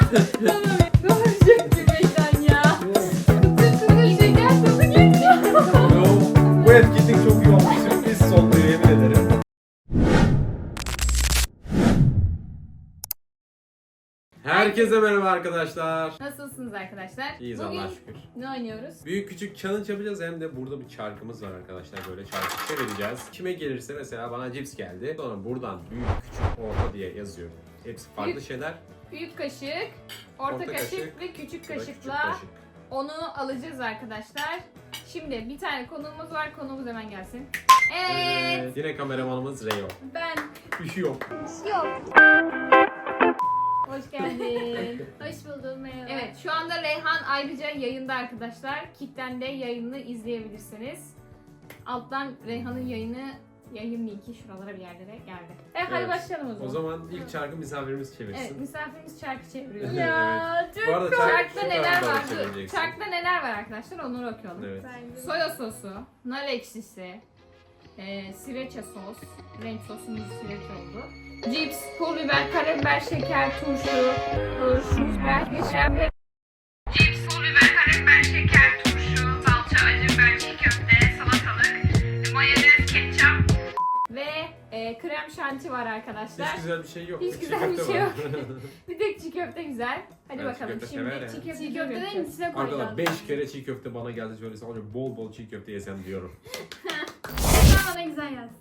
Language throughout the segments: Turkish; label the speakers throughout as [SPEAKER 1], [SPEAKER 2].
[SPEAKER 1] Ne olacak gülmekten ya? Bütün şeker tadı geliyor.
[SPEAKER 2] Yo, bu etkinlik çok iyi olmuş. Sürpriz oldu yemin ederim. Herkese merhaba arkadaşlar.
[SPEAKER 1] Nasılsınız arkadaşlar?
[SPEAKER 2] İyiyiz
[SPEAKER 1] Bugün
[SPEAKER 2] Allah'a şükür.
[SPEAKER 1] ne oynuyoruz?
[SPEAKER 2] Büyük küçük challenge yapacağız, hem de burada bir çarkımız var arkadaşlar, böyle çarkı çevireceğiz. Kime gelirse, mesela bana cips geldi. Sonra buradan büyük, küçük, orta diye yazıyorum. Hepsi farklı
[SPEAKER 1] Büyük-
[SPEAKER 2] şeyler.
[SPEAKER 1] Büyük kaşık, orta kaşık ve küçük
[SPEAKER 2] Bu da küçük
[SPEAKER 1] kaşıkla
[SPEAKER 2] kaşık.
[SPEAKER 1] onu alacağız arkadaşlar. Şimdi bir tane konuğumuz var. Konuğumuz hemen gelsin. Evet.
[SPEAKER 2] Yine kameramanımız Reo.
[SPEAKER 1] Ben.
[SPEAKER 2] Üşüyor.
[SPEAKER 1] Hoş geldin.
[SPEAKER 3] Hoş buldum, merhaba.
[SPEAKER 1] Evet, şu anda Reyhan ayrıca yayında arkadaşlar. Kick'ten de yayını izleyebilirsiniz. Alttan Reyhan'ın yayın linki şuralara bir yerlere geldi. Hadi
[SPEAKER 2] Evet.
[SPEAKER 1] başlayalım o zaman.
[SPEAKER 2] O zaman ilk çarkı misafirimiz çevirsin.
[SPEAKER 1] Evet, misafirimiz çarkı çeviriyor.
[SPEAKER 3] Ya çok
[SPEAKER 2] Bu arada
[SPEAKER 1] Çarkta
[SPEAKER 2] şu
[SPEAKER 1] neler
[SPEAKER 2] tarafa
[SPEAKER 1] var?
[SPEAKER 2] doğru çevireceksin.
[SPEAKER 1] Çarkta neler var arkadaşlar? Onları okuyalım.
[SPEAKER 2] Evet.
[SPEAKER 3] bence.
[SPEAKER 1] Soya sosu, nar ekşisi, sriracha sos, renk sosumuz sriracha oldu. Cips, pul biber, karabiber, şeker, turşu, biber, geçer. Cips, pul biber, karabiber, şeker, turşu, salça, acı biber, çiğ köfte, salatalık, mayonez, ketçap ve krem şanti var arkadaşlar.
[SPEAKER 2] Hiç güzel bir şey yok.
[SPEAKER 1] Hiç
[SPEAKER 2] Çiğ
[SPEAKER 1] güzel bir
[SPEAKER 2] köfte
[SPEAKER 1] şey
[SPEAKER 2] var.
[SPEAKER 1] yok. Bir tek çiğ köfte güzel. Hadi
[SPEAKER 2] Ben
[SPEAKER 1] bakalım
[SPEAKER 2] çiğ köfte
[SPEAKER 1] şimdi
[SPEAKER 2] severim.
[SPEAKER 1] çiğ köfte
[SPEAKER 3] Çiğ köfteden
[SPEAKER 1] yapacağız.
[SPEAKER 3] içine
[SPEAKER 2] Arkadaşlar
[SPEAKER 3] koyacağım.
[SPEAKER 2] 5 kere çiğ köfte bana geldi, şöyle sadece bol bol çiğ köfte yesem diyorum.
[SPEAKER 3] Sen bana güzel yaz.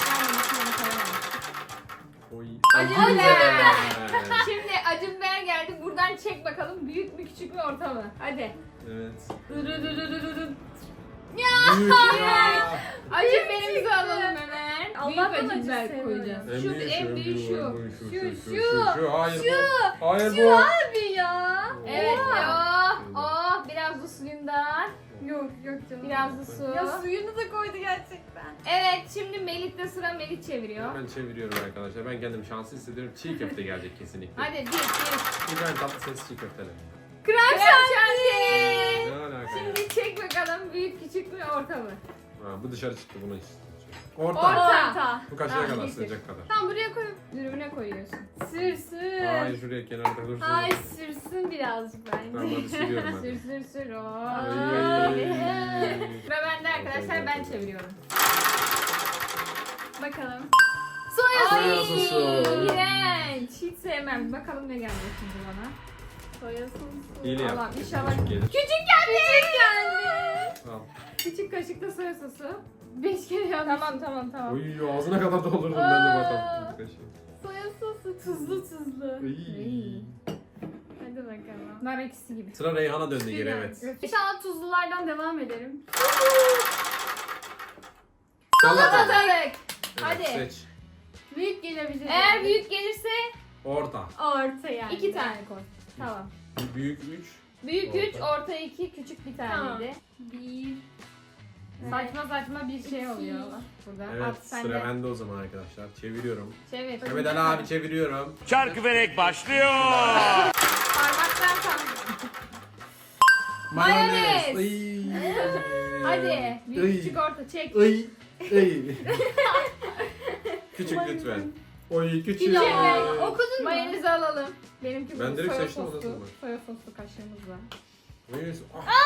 [SPEAKER 2] Oy.
[SPEAKER 1] Acı
[SPEAKER 2] Acı
[SPEAKER 1] biber.
[SPEAKER 2] biber.
[SPEAKER 1] Şimdi acı biber geldi. Buradan çek bakalım. Büyük mü küçük mü orta mı? Hadi.
[SPEAKER 2] Evet.
[SPEAKER 1] Dırırırırırırın.
[SPEAKER 2] Büyük ya.
[SPEAKER 1] Acı biberimizi alalım hemen.
[SPEAKER 3] Allah'tan
[SPEAKER 1] Büyük acı
[SPEAKER 3] acı
[SPEAKER 1] biber
[SPEAKER 3] seviyorum.
[SPEAKER 1] koyacağız. Şu en büyük şu.
[SPEAKER 2] Şu. Hayır
[SPEAKER 3] Şu.
[SPEAKER 2] bu. Hayır
[SPEAKER 3] Şu
[SPEAKER 2] bu.
[SPEAKER 3] abi ya.
[SPEAKER 1] Evet.
[SPEAKER 3] Oha.
[SPEAKER 1] Biraz da suyundan.
[SPEAKER 3] Yok yok canım.
[SPEAKER 1] Biraz da su.
[SPEAKER 3] Ya suyunu da koydu gerçekten.
[SPEAKER 1] Evet, şimdi Melih'te sıra. Melih çeviriyor.
[SPEAKER 2] Ben çeviriyorum arkadaşlar. Ben kendimi şanslı hissediyorum. Çiğ köfte gelecek kesinlikle.
[SPEAKER 1] Hadi bir.
[SPEAKER 2] İbrahim Tatlıses çiğ köfteler.
[SPEAKER 1] Krem şanti.
[SPEAKER 2] Ne alaka ya?
[SPEAKER 1] Şimdi çek bakalım. Büyük küçük mü orta mı?
[SPEAKER 2] Ha, bu dışarı çıktı, bunu istiyorum. Orta.
[SPEAKER 1] Orta.
[SPEAKER 2] Bu kaşığa
[SPEAKER 1] Ha,
[SPEAKER 2] kadar
[SPEAKER 1] getir.
[SPEAKER 2] sığacak kadar.
[SPEAKER 3] Tamam buraya koy.
[SPEAKER 1] Dürümüne koyuyorsun.
[SPEAKER 3] Sürsün.
[SPEAKER 2] Hayır, şuraya kenarda dursun.
[SPEAKER 3] Ay sürsün birazcık bence.
[SPEAKER 2] Tamam, hadi sürüyorum
[SPEAKER 1] Sür
[SPEAKER 2] hadi.
[SPEAKER 1] sür sür.
[SPEAKER 2] Ay.
[SPEAKER 1] Sıra bende arkadaşlar, ben çeviriyorum.
[SPEAKER 3] Bakalım.
[SPEAKER 2] Soya sosu.
[SPEAKER 1] İğrenç. Hiç sevmem. Bakalım ne gelecek şimdi bana.
[SPEAKER 3] Soya sosu.
[SPEAKER 2] İyi
[SPEAKER 1] Allah,
[SPEAKER 2] yap.
[SPEAKER 1] inşallah.
[SPEAKER 2] Küçük gelir.
[SPEAKER 1] Küçük geldi. Küçük geldi.
[SPEAKER 2] Al.
[SPEAKER 1] Küçük kaşıkta soya sosu. 5 kere yanlış. Tamam.
[SPEAKER 2] Oy, ağzına kadar doldurdum ben de
[SPEAKER 3] Aa.
[SPEAKER 2] bakalım. Kaşığı.
[SPEAKER 3] Soya sosu tuzlu tuzlu.
[SPEAKER 2] Iy.
[SPEAKER 3] Hadi bakalım.
[SPEAKER 1] Nar ekşisi gibi.
[SPEAKER 2] Sıra Reyhan'a döndü geri, evet.
[SPEAKER 3] İnşallah tuzlulardan devam ederim.
[SPEAKER 1] Salatalık.
[SPEAKER 2] Evet,
[SPEAKER 1] Hadi.
[SPEAKER 2] seç.
[SPEAKER 3] Büyük gelebilir.
[SPEAKER 1] Eğer büyük gelirse
[SPEAKER 2] Orta.
[SPEAKER 3] Orta yani.
[SPEAKER 1] 2 tane koy. Tamam.
[SPEAKER 2] Büyük 3.
[SPEAKER 1] Büyük
[SPEAKER 2] Orta.
[SPEAKER 1] 3, orta 2, küçük bir taneydi.
[SPEAKER 3] Bir.
[SPEAKER 1] Saçma bir şey oluyor burada.
[SPEAKER 2] Evet,
[SPEAKER 1] At sen
[SPEAKER 2] sıra
[SPEAKER 1] de.
[SPEAKER 2] bende o zaman arkadaşlar. Çeviriyorum.
[SPEAKER 1] Çevir.
[SPEAKER 2] Mehmet Ali abi çeviriyorum.
[SPEAKER 4] Çarkıfelek başlıyor.
[SPEAKER 1] Parmaktan tam.
[SPEAKER 2] Mayonez.
[SPEAKER 1] Mayonez.
[SPEAKER 2] Iy.
[SPEAKER 1] Hadi. Büyük
[SPEAKER 2] Iy.
[SPEAKER 1] küçük orta çek.
[SPEAKER 2] Iy. Iy. Küçük lütfen. Oy küçük.
[SPEAKER 3] Ya okudun mu?
[SPEAKER 1] Mayonezi alalım. Benimki
[SPEAKER 2] Ben
[SPEAKER 1] bu
[SPEAKER 2] direkt
[SPEAKER 1] soya
[SPEAKER 2] seçtim, o da
[SPEAKER 1] soslu.
[SPEAKER 2] sonra.
[SPEAKER 1] Soya soslu kaşığımızla.
[SPEAKER 2] Mayonez.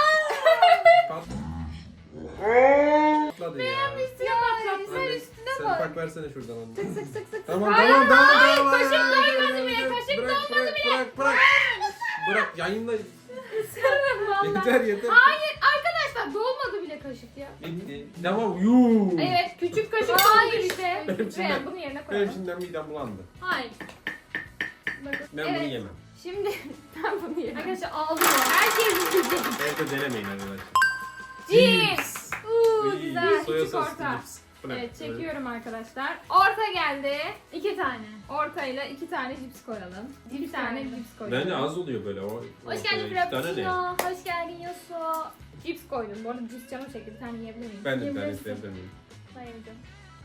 [SPEAKER 2] Patladı ya.
[SPEAKER 1] Üstüne patlattın.
[SPEAKER 2] Anne,
[SPEAKER 1] Üstüne
[SPEAKER 2] sen
[SPEAKER 1] bak.
[SPEAKER 2] bak versene şuradan onu.
[SPEAKER 1] Sık sık sık sık.
[SPEAKER 2] Tamam
[SPEAKER 1] Hayır,
[SPEAKER 2] tamam tamam.
[SPEAKER 1] hayır,
[SPEAKER 2] tamam.
[SPEAKER 1] kaşık
[SPEAKER 2] Hayır,
[SPEAKER 1] dolmadı
[SPEAKER 2] hayır,
[SPEAKER 1] bile,
[SPEAKER 2] hayır.
[SPEAKER 1] kaşık
[SPEAKER 2] Bırak,
[SPEAKER 1] dolmadı
[SPEAKER 2] bırak, Bırak. Bırak yayınla.
[SPEAKER 1] Vallahi.
[SPEAKER 2] Yeter yeter.
[SPEAKER 1] Hayır arkadaşlar, dolmadı bile kaşık ya.
[SPEAKER 2] Bitti. Tamam yuu.
[SPEAKER 1] Evet, küçük kaşık
[SPEAKER 3] Hayır
[SPEAKER 1] doldu işte.
[SPEAKER 2] Benim içimden-
[SPEAKER 1] Reyhan, bunu yerine
[SPEAKER 2] Benim
[SPEAKER 1] koyalım.
[SPEAKER 2] şimdiden midem bulandı.
[SPEAKER 3] Hayır. Bakın.
[SPEAKER 2] Ben
[SPEAKER 1] Evet.
[SPEAKER 2] bunu yemem.
[SPEAKER 1] Şimdi ben bunu yerim.
[SPEAKER 3] Arkadaşlar ağlıyor.
[SPEAKER 1] Herkes yiyecek.
[SPEAKER 2] Evde denemeyin arkadaşlar.
[SPEAKER 1] Cips.
[SPEAKER 2] Uy,
[SPEAKER 3] güzel.
[SPEAKER 2] Soya
[SPEAKER 1] Küçük
[SPEAKER 2] soslu
[SPEAKER 1] orta.
[SPEAKER 2] cips. Bu ne?
[SPEAKER 1] Evet, çekiyorum arkadaşlar. Orta geldi.
[SPEAKER 3] 2 tane.
[SPEAKER 1] Ortayla 2 tane cips koyalım. Bir
[SPEAKER 3] Cips
[SPEAKER 1] tane
[SPEAKER 3] koyalım.
[SPEAKER 1] cips koyalım.
[SPEAKER 2] Bence az oluyor böyle. O,
[SPEAKER 3] Hoş geldin
[SPEAKER 2] iki tane ne?
[SPEAKER 3] Frappuccino. Hoş geldin Yosu.
[SPEAKER 1] Cips koydum. Bu arada cips canım çekti. Bir tane yiyebilir miyim?
[SPEAKER 2] Ben de bir tane
[SPEAKER 3] Yemesin.
[SPEAKER 2] isteyebilir miyim?
[SPEAKER 3] Hayır canım.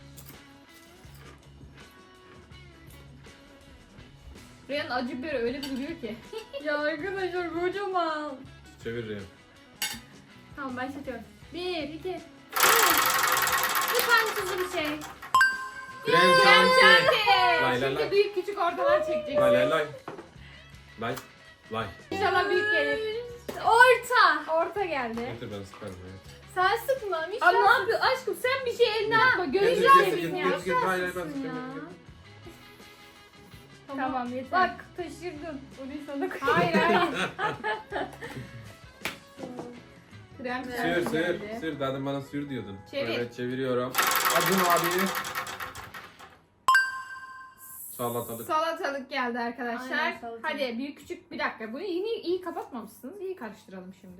[SPEAKER 1] Reyhan acı biberi öyle bir duruyor ki.
[SPEAKER 3] Ya arkadaşlar kocaman.
[SPEAKER 2] Çeviririm.
[SPEAKER 3] Tamam başlatıyorum. 1, 2, 3. Lütfen tuzlu bir şey.
[SPEAKER 2] Krem
[SPEAKER 1] Krem
[SPEAKER 2] şanti.
[SPEAKER 1] şanti.
[SPEAKER 2] Lay lay
[SPEAKER 1] Şimdi
[SPEAKER 2] lay.
[SPEAKER 1] büyük küçük ortadan çekeceksin.
[SPEAKER 2] Lay lay lay. Lay. Vay.
[SPEAKER 1] İnşallah büyük gelir.
[SPEAKER 3] Orta.
[SPEAKER 1] Orta geldi.
[SPEAKER 2] Getir ben sıkarım ya.
[SPEAKER 3] Sen sıkma.
[SPEAKER 1] Abi
[SPEAKER 3] Mişra.
[SPEAKER 1] ne yapıyorsun aşkım, sen bir şey eline atma.
[SPEAKER 2] Getir,
[SPEAKER 1] Gözünü
[SPEAKER 2] getir,
[SPEAKER 1] seveyim ya.
[SPEAKER 2] getir, getir. Hayır ben
[SPEAKER 3] Sıksın ya.
[SPEAKER 2] sıkıyorum.
[SPEAKER 1] Tamam yeter.
[SPEAKER 3] Bak taşırdın. Orayı sana koy.
[SPEAKER 1] Hayır hayır. Krem
[SPEAKER 3] Sür,
[SPEAKER 2] Sür sür
[SPEAKER 1] geldi.
[SPEAKER 2] sür. Zaten bana sür diyordun.
[SPEAKER 1] Çevir.
[SPEAKER 2] Evet çeviriyorum. Acun abi. Salatalık.
[SPEAKER 1] Salatalık geldi arkadaşlar.
[SPEAKER 3] Aynen, salatalık.
[SPEAKER 1] Hadi büyük küçük bir dakika. Bunu yine iyi kapatmamışsınız. İyi karıştıralım şimdi.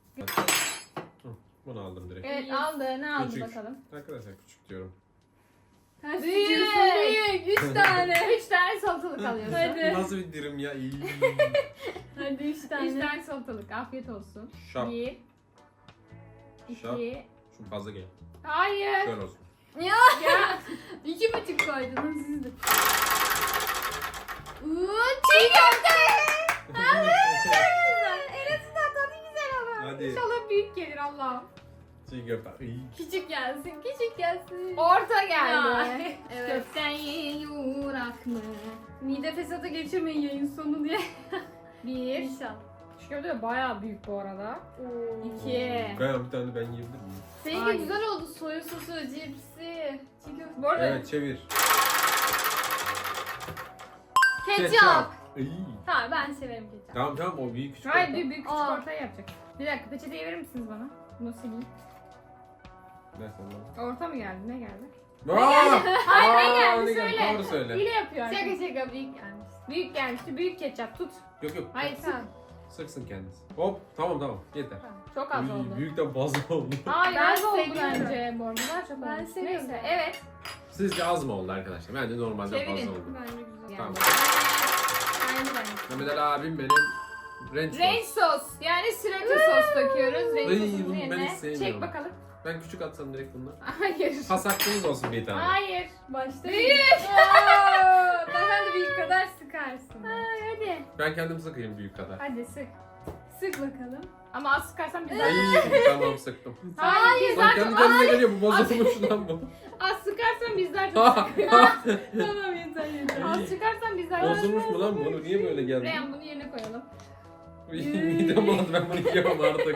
[SPEAKER 2] Bunu aldım direkt.
[SPEAKER 1] Evet
[SPEAKER 3] İyi.
[SPEAKER 1] aldı. Ne aldı
[SPEAKER 2] Küçük.
[SPEAKER 1] bakalım.
[SPEAKER 2] Arkadaşlar küçük diyorum.
[SPEAKER 3] Ters
[SPEAKER 1] Büyük.
[SPEAKER 3] tutuyorsun. Büyük. 3 tane.
[SPEAKER 1] 3 tane salatalık alıyorsun.
[SPEAKER 3] Hadi.
[SPEAKER 2] Nasıl bir dirim ya? İyi.
[SPEAKER 3] Hadi 3
[SPEAKER 1] 3
[SPEAKER 3] tane.
[SPEAKER 1] tane salatalık. Afiyet olsun.
[SPEAKER 2] Şap.
[SPEAKER 1] 1
[SPEAKER 2] Şap.
[SPEAKER 1] 2
[SPEAKER 2] Şu fazla gel.
[SPEAKER 1] Hayır.
[SPEAKER 2] Şöyle olsun.
[SPEAKER 3] Ya.
[SPEAKER 1] Ya.
[SPEAKER 3] 2,5 koydun. Siz de.
[SPEAKER 1] Çiğ köfte. En azından tadı güzel olur.
[SPEAKER 2] Hadi.
[SPEAKER 1] İnşallah büyük gelir Allah'ım.
[SPEAKER 2] Çiğ köfte. İyi.
[SPEAKER 3] Küçük gelsin. Küçük gelsin.
[SPEAKER 1] Orta
[SPEAKER 3] Ya.
[SPEAKER 1] geldi.
[SPEAKER 3] Evet.
[SPEAKER 1] Köften yurak mı?
[SPEAKER 3] Mide fesatı geçirmeyin yayın sonu diye.
[SPEAKER 1] 1
[SPEAKER 3] İnşallah.
[SPEAKER 1] Şu köfte de bayağı büyük bu arada.
[SPEAKER 3] Oo.
[SPEAKER 1] 2
[SPEAKER 2] Kaya bir tane ben yiyebilir miyim?
[SPEAKER 3] Seninki
[SPEAKER 1] Hayır.
[SPEAKER 3] güzel oldu. Soya sosu, cipsi, çiğ köfte.
[SPEAKER 1] Bu arada
[SPEAKER 2] Evet çevir.
[SPEAKER 3] Ketçap.
[SPEAKER 2] İyi.
[SPEAKER 3] Tamam ben severim ketçap.
[SPEAKER 2] Tamam tamam o büyük küçük.
[SPEAKER 1] hayır
[SPEAKER 2] orta.
[SPEAKER 1] büyük küçük
[SPEAKER 3] Aa.
[SPEAKER 1] ortaya yapacak. Bir dakika peçeteyi verir misiniz bana? Bunu sileyim.
[SPEAKER 2] Ver sen bana.
[SPEAKER 1] Orta mı geldi? Ne geldi?
[SPEAKER 2] Hayır
[SPEAKER 1] ne geldi? Söyle.
[SPEAKER 2] Doğru söyle.
[SPEAKER 1] Hile yapıyor
[SPEAKER 3] Şaka
[SPEAKER 1] arkadaşlar.
[SPEAKER 3] şaka büyük gelmiş.
[SPEAKER 1] Büyük gelmişti. Büyük ketçap tut.
[SPEAKER 2] Yok yok.
[SPEAKER 1] Hayır sık.
[SPEAKER 3] Tamam.
[SPEAKER 2] Sıksın kendisi. Hop tamam yeter.
[SPEAKER 1] Çok az
[SPEAKER 2] Uy,
[SPEAKER 1] oldu.
[SPEAKER 2] büyükten fazla oldu.
[SPEAKER 1] Hayır
[SPEAKER 3] Ben
[SPEAKER 1] az oldu
[SPEAKER 3] seviyorum.
[SPEAKER 1] bence bu arada. Daha çok
[SPEAKER 3] Ben
[SPEAKER 1] olmuş.
[SPEAKER 3] seviyorum.
[SPEAKER 1] Neyse evet.
[SPEAKER 2] Sizce az mı oldu arkadaşlar? Bence normalden
[SPEAKER 1] Çevirin.
[SPEAKER 2] fazla oldu.
[SPEAKER 3] Bence güzel.
[SPEAKER 2] Tamam.
[SPEAKER 3] Bence de.
[SPEAKER 2] Mehmet Ali abim benim ranch
[SPEAKER 1] Ranch
[SPEAKER 2] sos.
[SPEAKER 1] sos. Yani sriracha sos döküyoruz. Ranch
[SPEAKER 2] Ay,
[SPEAKER 1] sosun
[SPEAKER 2] bunu ben
[SPEAKER 1] yerine.
[SPEAKER 2] hiç sevmiyorum.
[SPEAKER 1] Çek bakalım.
[SPEAKER 2] Ben küçük atsam direkt bunlar.
[SPEAKER 1] Hayır.
[SPEAKER 2] Pas hakkınız olsun bir tane.
[SPEAKER 1] Hayır.
[SPEAKER 3] Başta
[SPEAKER 1] Büyük.
[SPEAKER 3] Sen de büyük kadar sıkarsın.
[SPEAKER 1] Ay, hadi.
[SPEAKER 2] Ben kendim sıkayım büyük kadar.
[SPEAKER 1] Hadi sık.
[SPEAKER 3] Sık bakalım.
[SPEAKER 1] Ama az sıkarsan biz
[SPEAKER 2] Ay tamam sıktım.
[SPEAKER 1] Hayır biz
[SPEAKER 2] Lan
[SPEAKER 1] daha
[SPEAKER 2] kendi
[SPEAKER 1] çok
[SPEAKER 2] kendine geliyor bu bozulmuş lan bu.
[SPEAKER 1] az sıkarsan biz daha çok sıkıyoruz.
[SPEAKER 3] Tamam yeter yeter.
[SPEAKER 1] Az çıkarsan biz daha çok
[SPEAKER 2] Bozulmuş mu lan bu? Niye böyle geldi?
[SPEAKER 1] Reyhan bunu yerine koyalım.
[SPEAKER 2] Midem bulandı ben bunu yiyemem artık.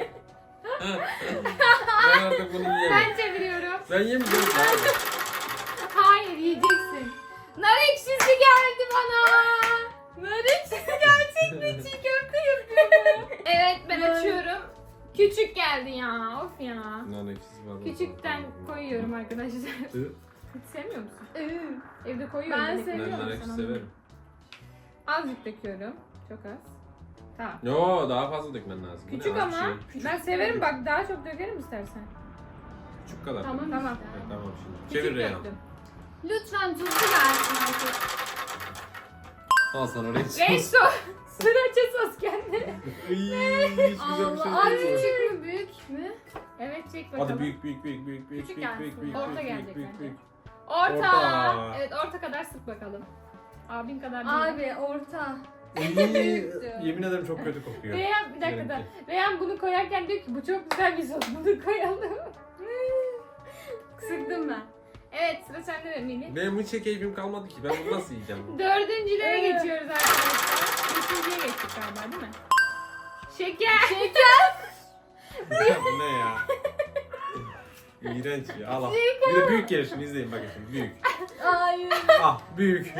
[SPEAKER 2] Ben artık bunu yiyemem.
[SPEAKER 1] Ben çeviriyorum.
[SPEAKER 2] Ben yemeyeceğim abi.
[SPEAKER 1] Hayır yiyeceksin. Nar ekşisi geldi bana.
[SPEAKER 3] Nar ekşisi gerçek mi? Çiğ köfte yapıyor mu?
[SPEAKER 1] Evet ben
[SPEAKER 3] Nar-
[SPEAKER 1] açıyorum. Küçük geldi ya. Of ya.
[SPEAKER 2] Nan ekşisi var.
[SPEAKER 1] Küçükten koyuyorum arkadaşlar.
[SPEAKER 2] Hı.
[SPEAKER 1] Hiç sevmiyor musun?
[SPEAKER 3] Iı.
[SPEAKER 1] Evde koyuyorum.
[SPEAKER 3] Ben
[SPEAKER 1] direkt.
[SPEAKER 3] seviyorum.
[SPEAKER 2] Ben nar ekşisi severim.
[SPEAKER 1] Azıcık döküyorum. Çok az. Tamam.
[SPEAKER 2] Yo daha fazla dökmen lazım. Bu ne
[SPEAKER 1] Küçük
[SPEAKER 2] az
[SPEAKER 1] ama.
[SPEAKER 2] bir şey. Küçük.
[SPEAKER 1] Ben severim bak daha çok dökerim istersen.
[SPEAKER 2] Küçük kadar.
[SPEAKER 3] Tamam
[SPEAKER 1] Tamam.
[SPEAKER 3] işte.
[SPEAKER 2] Evet, tamam şimdi.
[SPEAKER 1] Küçük
[SPEAKER 2] Çevir Reyhan.
[SPEAKER 1] döktüm.
[SPEAKER 3] Lütfen tuzlu gelsin artık.
[SPEAKER 2] Al sana ranch
[SPEAKER 1] Ranch
[SPEAKER 2] sos.
[SPEAKER 1] sos. Sriracha sos geldi.
[SPEAKER 2] Iy, hiç güzel bir şey
[SPEAKER 3] Allah. Ay
[SPEAKER 2] değil bu.
[SPEAKER 3] küçük mü büyük mü?
[SPEAKER 1] Evet çek bakalım.
[SPEAKER 2] Hadi büyük büyük büyük büyük büyük
[SPEAKER 3] Küçük
[SPEAKER 2] büyük
[SPEAKER 3] gelsin.
[SPEAKER 2] büyük büyük
[SPEAKER 1] Orta
[SPEAKER 2] büyük
[SPEAKER 1] gelecek
[SPEAKER 2] büyük
[SPEAKER 1] bence.
[SPEAKER 2] büyük.
[SPEAKER 1] Orta.
[SPEAKER 2] Orta.
[SPEAKER 1] Evet orta kadar sık bakalım. Abin kadar değil.
[SPEAKER 3] Abi orta.
[SPEAKER 2] Iy, yemin ederim çok kötü kokuyor.
[SPEAKER 1] Reyhan bir dakika da.
[SPEAKER 2] Benimki.
[SPEAKER 1] Reyhan bunu koyarken diyor ki bu çok güzel bir sos. Bunu koyalım.
[SPEAKER 3] Sıktım ben.
[SPEAKER 1] Evet sıra sende de Melih.
[SPEAKER 2] Benim hiç keyfim kalmadı ki. Ben bunu nasıl yiyeceğim?
[SPEAKER 1] Dördüncülere
[SPEAKER 3] Evet.
[SPEAKER 1] geçiyoruz arkadaşlar. Beşinciye geçtik galiba değil mi? Şeker.
[SPEAKER 2] Bu ne ya? İğrenç ya. Al al. Bir de büyük gelir şimdi izleyin bakın şimdi. Büyük.
[SPEAKER 3] Hayır.
[SPEAKER 2] Ah büyük.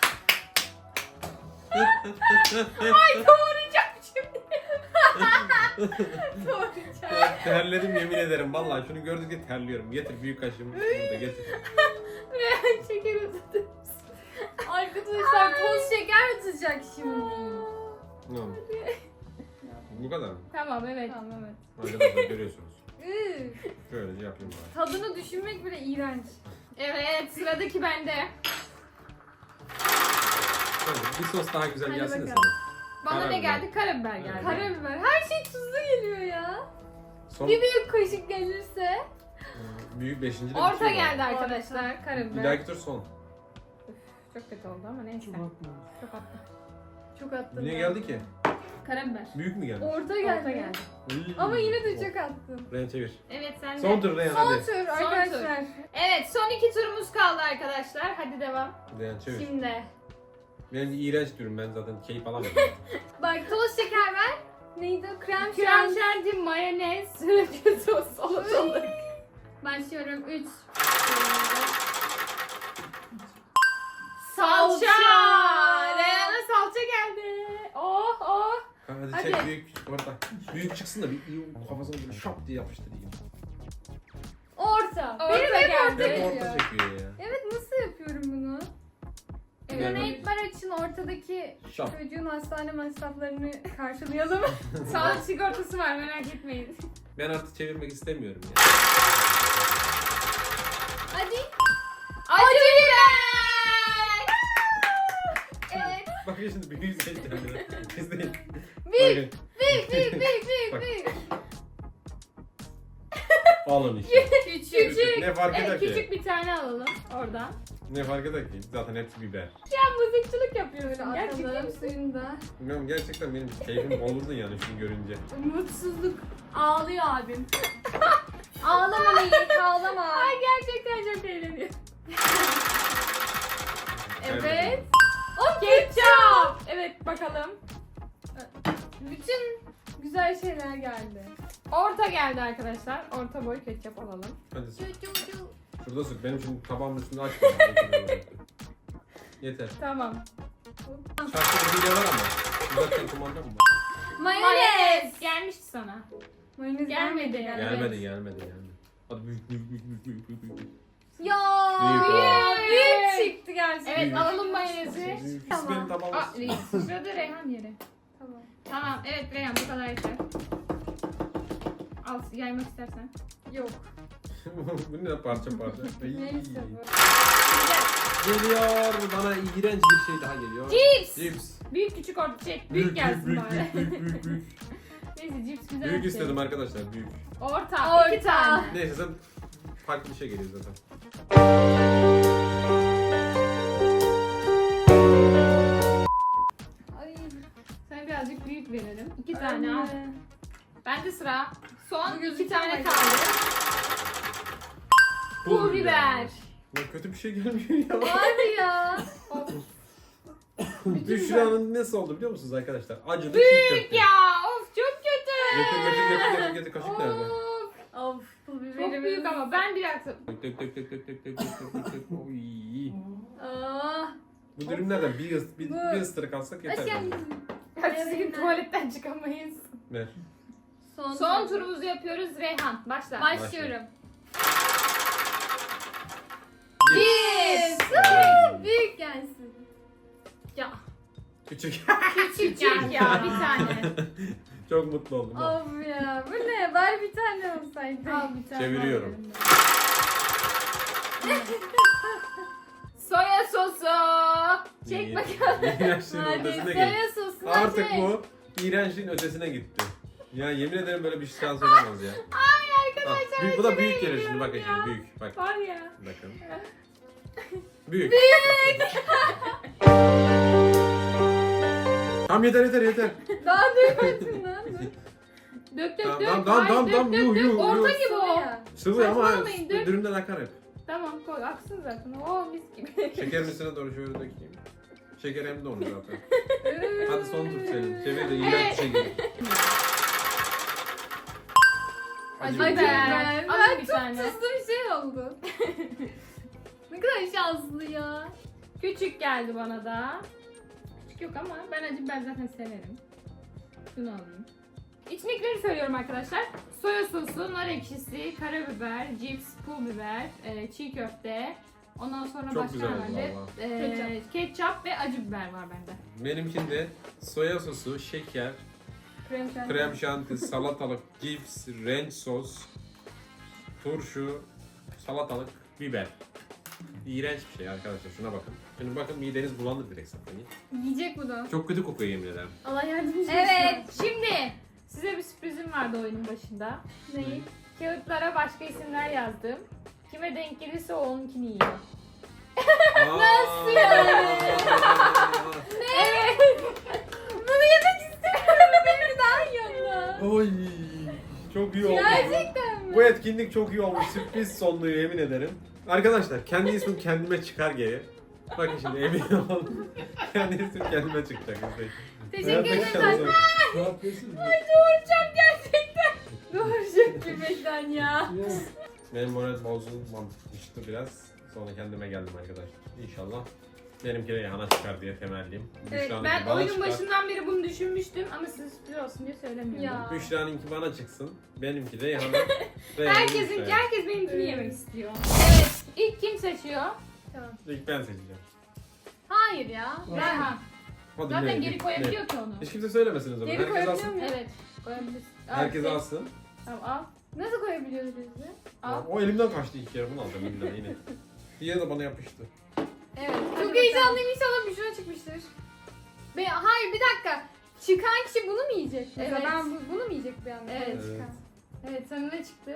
[SPEAKER 1] Doğrayacağım şimdi.
[SPEAKER 3] Doğrayacağım.
[SPEAKER 2] Terledim yemin ederim. Vallahi şunu gördükçe terliyorum. Getir büyük kaşığımı. Burada getir.
[SPEAKER 1] Reyhan şeker utadı.
[SPEAKER 3] Arkadaşlar toz şeker atacak şimdi.
[SPEAKER 2] Ne oldu? Bu kadar mı?
[SPEAKER 1] Tamam evet.
[SPEAKER 3] Tamam evet.
[SPEAKER 2] Arkadaşlar görüyorsunuz.
[SPEAKER 3] Iı.
[SPEAKER 2] Şöylece yapayım bari.
[SPEAKER 3] Tadını düşünmek bile iğrenç.
[SPEAKER 1] Evet sıradaki bende.
[SPEAKER 2] Hadi, bir sos daha güzel
[SPEAKER 3] Hadi
[SPEAKER 2] gelsin de
[SPEAKER 3] bakalım.
[SPEAKER 2] sana.
[SPEAKER 1] Bana ne
[SPEAKER 2] Karabiber.
[SPEAKER 1] geldi? Karabiber geldi.
[SPEAKER 3] Karabiber. Her şey tuzlu geliyor ya.
[SPEAKER 2] Son
[SPEAKER 3] Bir büyük kaşık gelirse.
[SPEAKER 2] büyük beşinci de
[SPEAKER 1] Orta
[SPEAKER 2] bitiyor
[SPEAKER 1] geldi
[SPEAKER 2] galiba.
[SPEAKER 1] arkadaşlar.
[SPEAKER 2] Bir
[SPEAKER 1] Karabiber.
[SPEAKER 2] dahaki tur son.
[SPEAKER 1] Çok kötü oldu ama neyse. Çok attım.
[SPEAKER 3] Çok attım.
[SPEAKER 2] Niye
[SPEAKER 3] ben.
[SPEAKER 2] geldi ki?
[SPEAKER 1] Karabiber.
[SPEAKER 2] Büyük mü geldi?
[SPEAKER 3] Orta geldi.
[SPEAKER 1] Orta geldi.
[SPEAKER 2] Uy.
[SPEAKER 3] Ama yine de çok attım.
[SPEAKER 2] Reyhan çevir.
[SPEAKER 1] Evet sen de.
[SPEAKER 2] Son tur Reyhan
[SPEAKER 3] Son
[SPEAKER 2] hadi.
[SPEAKER 3] tur arkadaşlar.
[SPEAKER 1] Evet son iki turumuz kaldı arkadaşlar. Hadi devam.
[SPEAKER 2] Reyhan çevir.
[SPEAKER 3] Şimdi.
[SPEAKER 2] Benim iğrenç durum, ben zaten keyif alamıyorum.
[SPEAKER 3] Bak toz şeker ver. Neydi o? Krem
[SPEAKER 1] Krem
[SPEAKER 3] şanti.
[SPEAKER 1] şanti, mayonez, sriracha sos, salatalık.
[SPEAKER 3] Başlıyorum. 3.
[SPEAKER 1] Salça! Reyhan'a salça geldi. Oh oh.
[SPEAKER 2] Hadi,
[SPEAKER 1] Hadi.
[SPEAKER 2] çek büyük orada. Büyük çıksın da bir kafasına böyle şap diye yapıştırayım.
[SPEAKER 3] Orta.
[SPEAKER 1] Orta
[SPEAKER 3] Benim hep
[SPEAKER 1] geldi.
[SPEAKER 3] orta
[SPEAKER 2] Hep orta
[SPEAKER 3] geliyor.
[SPEAKER 2] çekiyor ya.
[SPEAKER 3] Evet, nasıl yapıyorum bunu?
[SPEAKER 2] Evet.
[SPEAKER 3] Donate bar için ortadaki
[SPEAKER 2] Şap.
[SPEAKER 3] çocuğun hastane masraflarını karşılayalım.
[SPEAKER 1] Sağlık sigortası var, merak etmeyin.
[SPEAKER 2] Ben artık çevirmek istemiyorum ya.
[SPEAKER 3] Hadi.
[SPEAKER 1] Acı biber!
[SPEAKER 3] Evet.
[SPEAKER 2] Bakın şimdi büyük seçeceğim. İzleyin.
[SPEAKER 3] Büyük.
[SPEAKER 2] Bakın.
[SPEAKER 3] Büyük.
[SPEAKER 2] Bak.
[SPEAKER 3] Büyük.
[SPEAKER 2] Alın işte.
[SPEAKER 1] Küçük.
[SPEAKER 2] Ne fark eder
[SPEAKER 1] Evet,
[SPEAKER 2] ki?
[SPEAKER 1] küçük bir tane alalım oradan.
[SPEAKER 2] Ne fark eder ki? Zaten hepsi biber.
[SPEAKER 1] Ya mızıkçılık yapıyorsun.
[SPEAKER 3] Böyle
[SPEAKER 1] Gerçekten.
[SPEAKER 3] atalım suyunda.
[SPEAKER 2] Bilmiyorum, gerçekten benim keyfim bozuldu yani şunu görünce.
[SPEAKER 3] Mutsuzluk. Ağlıyor abim. Ağlama Melih, ağlama.
[SPEAKER 1] Ay gerçekten çok eğleniyor.
[SPEAKER 3] Evet.
[SPEAKER 1] Ketçap. Evet bakalım.
[SPEAKER 3] Bütün güzel şeyler geldi.
[SPEAKER 1] Orta geldi arkadaşlar. Orta boy ketçap alalım.
[SPEAKER 2] Hadi sık.
[SPEAKER 3] Çu çu çu.
[SPEAKER 2] Şurada sık. Benim şimdi tabağımın üstünde açma. Yeter.
[SPEAKER 1] Tamam.
[SPEAKER 2] Şarkıda hile var ama. Uzaktan kumanda mı var?
[SPEAKER 3] Mayonez.
[SPEAKER 1] Gelmişti sana.
[SPEAKER 3] Mayonez
[SPEAKER 1] Gelmedi.
[SPEAKER 2] Gelmedi. Hadi büyük.
[SPEAKER 3] Ya
[SPEAKER 2] Büyük
[SPEAKER 3] büyük çıktı gerçekten.
[SPEAKER 1] Evet alalım mayonezi.
[SPEAKER 2] Büyük.
[SPEAKER 3] Tamam.
[SPEAKER 2] Benim tabağım
[SPEAKER 1] Aa,
[SPEAKER 2] olsun.
[SPEAKER 1] sırada Reyhan yeri.
[SPEAKER 3] Tamam.
[SPEAKER 1] Tamam evet Reyhan bu kadar yeter. Al yaymak istersen.
[SPEAKER 3] Yok.
[SPEAKER 2] Bu ne parça. Ay.
[SPEAKER 3] Neyse bu.
[SPEAKER 2] Geliyor. Bana iğrenç bir şey daha geliyor.
[SPEAKER 1] Cips.
[SPEAKER 2] Cips.
[SPEAKER 1] Büyük küçük orta büyük gelsin bari.
[SPEAKER 2] Büyük.
[SPEAKER 1] Neyse cips güzel.
[SPEAKER 2] Büyük
[SPEAKER 1] bir şey.
[SPEAKER 2] istedim arkadaşlar, büyük.
[SPEAKER 1] Orta. İki tane.
[SPEAKER 2] Neyse sen farklı bir şey geliyor zaten.
[SPEAKER 3] Ay.
[SPEAKER 1] Sana birazcık büyük verelim. İki tane al.
[SPEAKER 3] Anne.
[SPEAKER 1] Bende sıra. Son
[SPEAKER 3] Bu
[SPEAKER 1] iki
[SPEAKER 3] gözüküyor
[SPEAKER 1] tane
[SPEAKER 3] mu?
[SPEAKER 1] kaldı. Pul biber.
[SPEAKER 2] Ya kötü bir şey gelmiyor ya.
[SPEAKER 3] Hadi ya.
[SPEAKER 2] Büşra'nın nasıl oldu biliyor musunuz arkadaşlar? Acılı çiğ
[SPEAKER 1] Büyük
[SPEAKER 2] köfte.
[SPEAKER 1] ya. Of çok kötü.
[SPEAKER 2] Getir. Kaşık nerede?
[SPEAKER 1] Of,
[SPEAKER 3] Of. Pul biberimiz.
[SPEAKER 1] çok büyük ama ben bir dakika.
[SPEAKER 2] Dök. Oy.
[SPEAKER 3] Ah.
[SPEAKER 2] Bu dürümlerden bir ısırık alsak yeter.
[SPEAKER 3] Aşkım.
[SPEAKER 2] bence.
[SPEAKER 1] Ertesi gün tuvaletten çıkamayız.
[SPEAKER 2] Ver.
[SPEAKER 1] Son turumuzu yapıyoruz Reyhan. Başla.
[SPEAKER 3] Başlıyorum.
[SPEAKER 2] Yes.
[SPEAKER 3] Büyük gelsin.
[SPEAKER 1] Ya.
[SPEAKER 2] Küçük.
[SPEAKER 1] Küçük ya bir tane.
[SPEAKER 2] Çok mutlu oldum.
[SPEAKER 3] Of ya. Bu ne? Bari bir tane olsaydı.
[SPEAKER 1] Al bir tane.
[SPEAKER 2] Çeviriyorum.
[SPEAKER 1] Soya sosu. Çek bakalım.
[SPEAKER 2] İğrençliğin
[SPEAKER 3] Hadi
[SPEAKER 2] ötesine
[SPEAKER 3] soya
[SPEAKER 2] gitti.
[SPEAKER 3] sosunu
[SPEAKER 2] Artık
[SPEAKER 3] çek.
[SPEAKER 2] bu iğrençliğin ötesine gitti. Ya yemin ederim böyle bir şans olamaz ya.
[SPEAKER 1] Ay arkadaşlar.
[SPEAKER 2] Büyük, bu da
[SPEAKER 1] çok
[SPEAKER 2] büyük gelir şimdi,
[SPEAKER 1] eğleniyorum
[SPEAKER 2] bakın
[SPEAKER 1] ya.
[SPEAKER 2] şimdi büyük. Bak
[SPEAKER 1] Var ya.
[SPEAKER 2] bakın. Büyük. Tamam yeter.
[SPEAKER 3] Daha duymadın lan.
[SPEAKER 1] Dök
[SPEAKER 2] Tamam,
[SPEAKER 1] dök.
[SPEAKER 2] tamam,
[SPEAKER 1] Hayır,
[SPEAKER 2] tamam,
[SPEAKER 1] dök,
[SPEAKER 2] yuh,
[SPEAKER 1] dök.
[SPEAKER 2] yuh,
[SPEAKER 1] Orta
[SPEAKER 2] yuh.
[SPEAKER 1] gibi o.
[SPEAKER 3] Soya.
[SPEAKER 2] Sıvı ama
[SPEAKER 1] Saçmalamayın, dök.
[SPEAKER 2] dürümden akar hep.
[SPEAKER 1] Tamam koy aksın zaten. Oo mis gibi.
[SPEAKER 2] Şekerin üstüne doğru şöyle dökeyim. Şeker hem de onu zaten. Hadi son tur senin. Çevir de iğrenç bir şey gelir.
[SPEAKER 1] Acı
[SPEAKER 3] Acı
[SPEAKER 1] biber.
[SPEAKER 3] biber.
[SPEAKER 1] Alın
[SPEAKER 3] Ben
[SPEAKER 1] bir
[SPEAKER 3] çok
[SPEAKER 1] tane.
[SPEAKER 3] tuzlu bir şey oldu. Ne kadar şanslı ya.
[SPEAKER 1] Küçük geldi bana da. Küçük yok ama ben acı biber zaten severim. Şunu alayım. İçindekileri söylüyorum arkadaşlar. Soya sosu, nar ekşisi, karabiber, cips, pul biber, çiğ köfte. Ondan sonra
[SPEAKER 2] Çok
[SPEAKER 1] başka
[SPEAKER 2] güzel oldu
[SPEAKER 1] herhalde
[SPEAKER 2] valla.
[SPEAKER 1] ketçap ve acı biber var bende.
[SPEAKER 2] Benimkinde soya sosu, şeker, krem şanti, salatalık, cips, renk sos, turşu, salatalık, biber. İğrenç bir şey arkadaşlar, şuna bakın. Şimdi bakın mideniz bulanır direkt zaten.
[SPEAKER 3] Yiyecek bu da.
[SPEAKER 2] Çok kötü kokuyor yemin ederim.
[SPEAKER 3] Allah yardımcı olsun.
[SPEAKER 1] Evet, şimdi size bir sürprizim vardı oyunun başında.
[SPEAKER 3] Neyi?
[SPEAKER 1] Kağıtlara başka isimler yazdım. Kime denk gelirse o onunkini yiyor.
[SPEAKER 2] Nasıl
[SPEAKER 3] yani?
[SPEAKER 1] Evet.
[SPEAKER 3] Bunu yemek istemiyorum. Benim daha yanına.
[SPEAKER 2] Oy, çok iyi oldu.
[SPEAKER 3] Gerçekten mi?
[SPEAKER 2] Bu etkinlik çok iyi olmuş. Sürpriz sonluyor yemin ederim. Arkadaşlar kendi ismim kendime çıkar geri. Bakın şimdi emin olun. Kendisi kendime çıkacak. izleyin.
[SPEAKER 3] Teşekkür
[SPEAKER 2] Hayattaki
[SPEAKER 3] ederim.
[SPEAKER 2] şansım.
[SPEAKER 4] Ne yapıyorsun?
[SPEAKER 3] Doğuracağım gerçekten. Doğuracak gülmekten ya.
[SPEAKER 2] Benim moral bozulmamıştı biraz. Sonra kendime geldim arkadaşlar. İnşallah benimki de yana çıkar diye temelliyim.
[SPEAKER 1] Evet,
[SPEAKER 2] Büşra'nınki
[SPEAKER 1] ben
[SPEAKER 2] bana
[SPEAKER 1] oyunun
[SPEAKER 2] çıkar.
[SPEAKER 1] başından beri bunu düşünmüştüm ama size sürpriz olsun diye söylemiyordum.
[SPEAKER 3] Ya.
[SPEAKER 2] Büşra'nınki bana çıksın. Benimki de yana.
[SPEAKER 1] Herkes benimkini
[SPEAKER 3] Evet.
[SPEAKER 1] yemek istiyor. Evet, ilk kim seçiyor?
[SPEAKER 3] Tamam.
[SPEAKER 2] İlk ben seçeceğim.
[SPEAKER 3] Hayır ya.
[SPEAKER 1] Reyhan.
[SPEAKER 2] Hadi
[SPEAKER 1] Zaten
[SPEAKER 2] ne?
[SPEAKER 1] geri koyabiliyor ki onu.
[SPEAKER 2] Hiç kimse söylemesin o zaman.
[SPEAKER 3] Geri
[SPEAKER 2] Herkes
[SPEAKER 3] koyabiliyor
[SPEAKER 2] alsın.
[SPEAKER 3] muyum?
[SPEAKER 1] Evet, koyabilirsin.
[SPEAKER 2] Herkes
[SPEAKER 1] Evet,
[SPEAKER 2] alsın.
[SPEAKER 1] Tamam al.
[SPEAKER 3] Nasıl koyabiliyoruz biz de?
[SPEAKER 1] Al.
[SPEAKER 2] O elimden kaçtı ilk kere. Bunu alacağım elimden yine. Diğeri de bana yapıştı.
[SPEAKER 3] Evet.
[SPEAKER 1] Hadi
[SPEAKER 3] Çok heyecanlıyım, inşallah bir şuna çıkmıştır. Hayır bir dakika. Çıkan kişi bunu mu yiyecek? Mesela
[SPEAKER 1] Evet.
[SPEAKER 3] ben bunu mu yiyecek bir anda?
[SPEAKER 1] Evet.
[SPEAKER 3] Çıkan.
[SPEAKER 1] Evet, sana ne çıktı?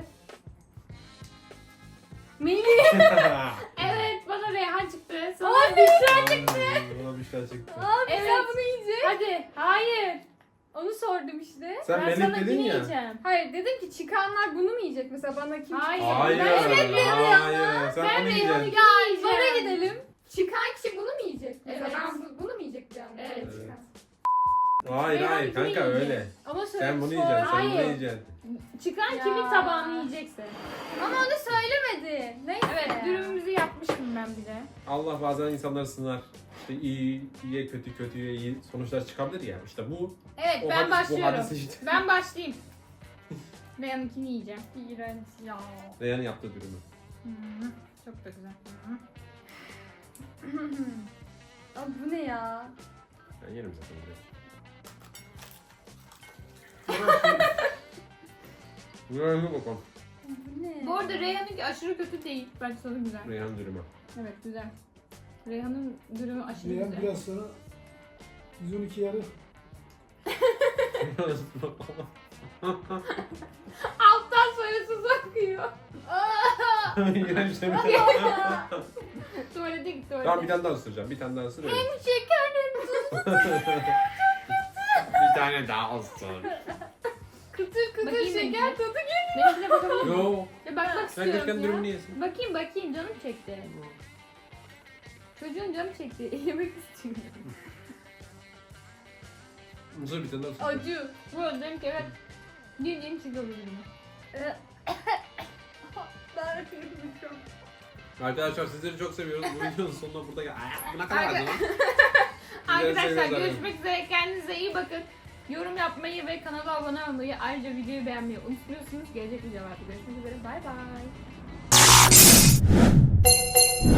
[SPEAKER 3] Melih.
[SPEAKER 1] Evet, bana Reyhan çıktı. Sana
[SPEAKER 3] Abi.
[SPEAKER 1] Büşra çıktı.
[SPEAKER 2] Bana Büşra çıktı.
[SPEAKER 3] Abi
[SPEAKER 1] Evet.
[SPEAKER 3] sen bunu yiyecek.
[SPEAKER 1] Hadi, hayır.
[SPEAKER 3] Onu sordum işte.
[SPEAKER 2] Sen
[SPEAKER 1] Ben
[SPEAKER 2] Melih
[SPEAKER 1] sana
[SPEAKER 2] dedin
[SPEAKER 1] yine
[SPEAKER 2] ya.
[SPEAKER 1] yiyeceğim.
[SPEAKER 3] Hayır dedim ki çıkanlar bunu mu yiyecek? Mesela bana kim
[SPEAKER 1] Hayır.
[SPEAKER 3] çıkacak?
[SPEAKER 2] Hayır.
[SPEAKER 3] Ben evet dedim ya.
[SPEAKER 2] Hayır. Sen
[SPEAKER 1] Ben
[SPEAKER 2] bunu
[SPEAKER 1] Reyhan'ı
[SPEAKER 2] yiyeceksin.
[SPEAKER 1] yiyeceğim.
[SPEAKER 3] Bara gidelim. Çıkan kişi bunu mu yiyecek? Mesela
[SPEAKER 1] Evet.
[SPEAKER 3] ben bunu mu yiyecek bir anda?
[SPEAKER 1] Evet.
[SPEAKER 3] Çıkan.
[SPEAKER 2] Hayır
[SPEAKER 1] Reyhan
[SPEAKER 2] hayır
[SPEAKER 1] ikini
[SPEAKER 2] kanka
[SPEAKER 1] yiyecek.
[SPEAKER 2] öyle.
[SPEAKER 3] Ama söyle.
[SPEAKER 2] Sen bunu yiyeceksin. Sen bunu
[SPEAKER 1] Hayır.
[SPEAKER 2] yiyeceksin.
[SPEAKER 1] Çıkan
[SPEAKER 3] Ya.
[SPEAKER 1] kimin tabağını yiyecekse.
[SPEAKER 3] Ama onu söylemedi. Neyse.
[SPEAKER 1] Evet, dürümümüzü yapmıştım ben bile.
[SPEAKER 2] Allah bazen insanları sınar. İşte iyiye kötü, kötüye iyi sonuçlar çıkabilir ya. İşte bu
[SPEAKER 1] Evet,
[SPEAKER 2] o
[SPEAKER 1] ben
[SPEAKER 2] Bu
[SPEAKER 1] başlıyorum.
[SPEAKER 2] hadise işte.
[SPEAKER 1] Ben başlayayım. Reyhan'ınkini yiyeceğim.
[SPEAKER 3] İğrenç ya.
[SPEAKER 2] Reyhan'ın yaptığı dürümü.
[SPEAKER 1] Çok da güzel.
[SPEAKER 3] Abi bu ne ya?
[SPEAKER 2] Ben yerim zaten bunu. Reyhan'a bakalım.
[SPEAKER 3] Bu ne?
[SPEAKER 1] Bu arada Reyhan'ınki aşırı kötü değil. Bence tadı güzel.
[SPEAKER 2] Reyhan dürümü.
[SPEAKER 1] Evet, güzel. Reyhan'ın dürümü aşırı
[SPEAKER 4] Reyhan
[SPEAKER 1] güzel.
[SPEAKER 4] biraz sonra 112 yarı.
[SPEAKER 1] Alttan soyasız akıyor.
[SPEAKER 2] İğrenç değil mi?
[SPEAKER 1] Tuvalete git, tuvalete.
[SPEAKER 2] Tamam bir tane daha ısıracağım. Bir tane daha ısır. öyle.
[SPEAKER 3] Şekerim
[SPEAKER 2] Bir tane daha ısır.
[SPEAKER 3] kıtır kıtır
[SPEAKER 1] Bakayım
[SPEAKER 3] şeker
[SPEAKER 1] benimkine.
[SPEAKER 3] tadı geliyor.
[SPEAKER 1] Benimkine bakabilir miyim?
[SPEAKER 2] Yo.
[SPEAKER 1] Ya bakmak
[SPEAKER 2] Sen
[SPEAKER 1] istiyorum
[SPEAKER 2] gerçekten
[SPEAKER 1] ya.
[SPEAKER 2] dürümünü yesin.
[SPEAKER 1] Bakayım canım çekti. Çocuğun canı çekti. Yemek istiyor.
[SPEAKER 2] Mısır bir tane daha ısır.
[SPEAKER 3] Acı.
[SPEAKER 1] Bu arada dedim ki evet. Yediğim çiğ olur dürümü.
[SPEAKER 3] Ben yapıyorum.
[SPEAKER 2] Arkadaşlar sizleri çok seviyoruz. Bu videonun sonuna burada gel. Buna kadar
[SPEAKER 1] Arka-
[SPEAKER 2] lan.
[SPEAKER 1] Arkadaşlar
[SPEAKER 2] seviyoruz
[SPEAKER 1] görüşmek üzere. Kendinize iyi bakın. Yorum yapmayı ve kanala abone olmayı, ayrıca videoyu beğenmeyi unutmuyorsunuz. Gelecek videolarda görüşmek üzere. Bay bay.